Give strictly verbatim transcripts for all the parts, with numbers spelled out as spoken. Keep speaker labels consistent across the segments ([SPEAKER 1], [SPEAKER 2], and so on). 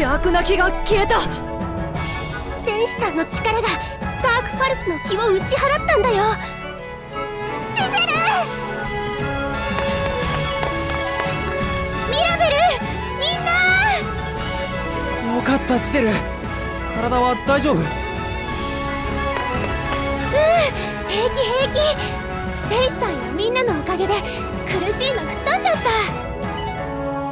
[SPEAKER 1] 邪悪な気が消えた。
[SPEAKER 2] 戦士さんの力がダークファルスの気を打ち払ったんだよ。ジゼル、ミラベル、みんな。
[SPEAKER 3] よかったジゼル、体は大丈夫？うん、
[SPEAKER 2] 平気平気。戦士さんやみんなのおかげで苦しいの吹っ飛んじゃった。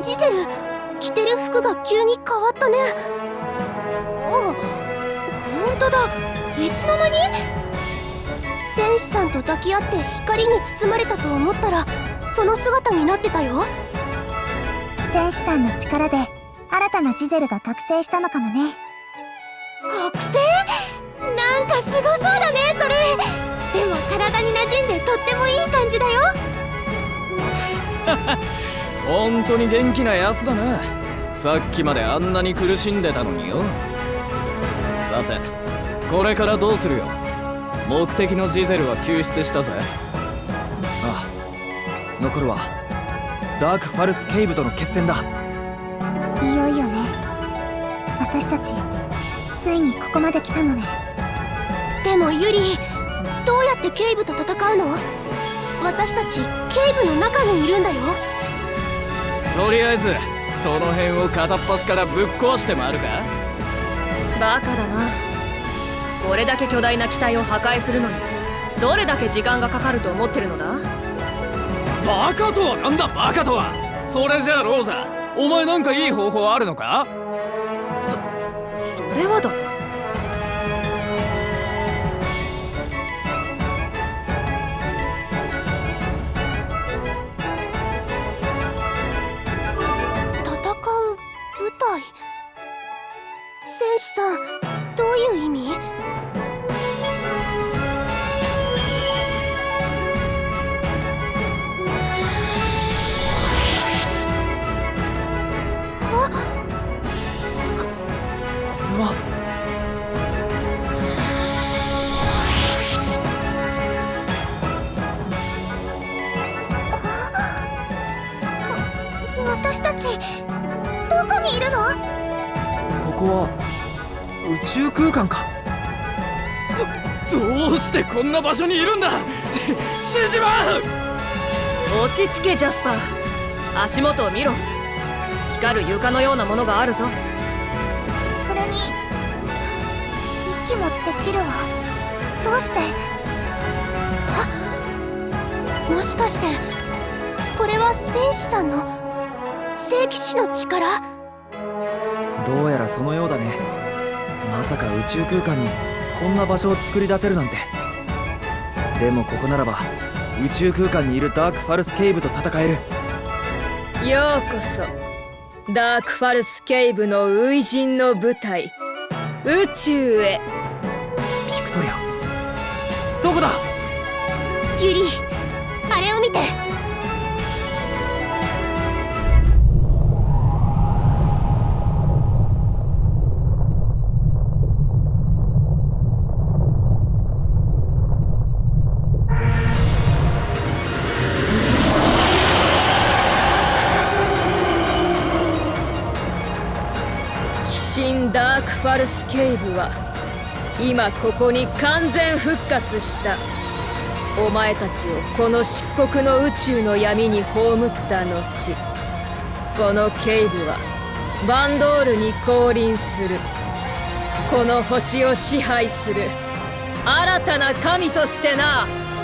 [SPEAKER 2] ジゼル、着てる服が急に変わったね。あ、ほんとだ、いつの間に？戦士さんと抱き合って光に包まれたと思ったらその姿になってたよ。
[SPEAKER 4] 戦士さんの力で新たなジゼルが覚醒したのかもね。
[SPEAKER 2] 覚醒？なんかすごそうだねそれ。でも体に馴染んでとってもいい感じだよ。
[SPEAKER 3] 本当に元気なやつだな。さっきまであんなに苦しんでたのによ。さてこれからどうするよ。目的のジゼルは救出したぜ。ああ、残るはダークファルスケイブとの決戦だ。
[SPEAKER 4] いよいよね。私たちついにここまで来たのね。
[SPEAKER 2] でもユリ、どうやってケイブと戦うの？私たちケイブの中にいるんだよ。
[SPEAKER 3] とりあえずその辺を片っ端からぶっ壊して回るか。
[SPEAKER 1] バカだな。これだけ巨大な機体を破壊するのにどれだけ時間がかかると思ってるのだ。
[SPEAKER 3] バカとはなんだバカとは。それじゃあローザ、お前なんかいい方法あるのか？
[SPEAKER 1] それはだ。
[SPEAKER 2] 戦う舞台。戦士さん、どういう意味？あっ、
[SPEAKER 3] これは
[SPEAKER 4] 私たちどこにいるの？
[SPEAKER 3] ここは宇宙空間か。どどうしてこんな場所にいるんだ。し死んじまう。
[SPEAKER 1] 落ち着けジャスパー。足元を見ろ。光る床のようなものがあるぞ。
[SPEAKER 4] それに息もできるわ。どうして？
[SPEAKER 2] あ、もしかしてこれは戦士さんの聖騎士の力？
[SPEAKER 3] どうやらそのようだね。まさか宇宙空間にこんな場所を作り出せるなんて。でもここならば宇宙空間にいるダークファルスケイブと戦える。
[SPEAKER 1] ようこそダークファルスケイブの初陣の舞台、宇宙へ。
[SPEAKER 3] ビクトリア、どこだ？
[SPEAKER 2] ユリ、あれを見て。
[SPEAKER 1] ダークファルスケイブは今ここに完全復活した。お前たちをこの漆黒の宇宙の闇に葬った後、このケイブはバンドールに降臨する。この星を支配する新たな神としてな。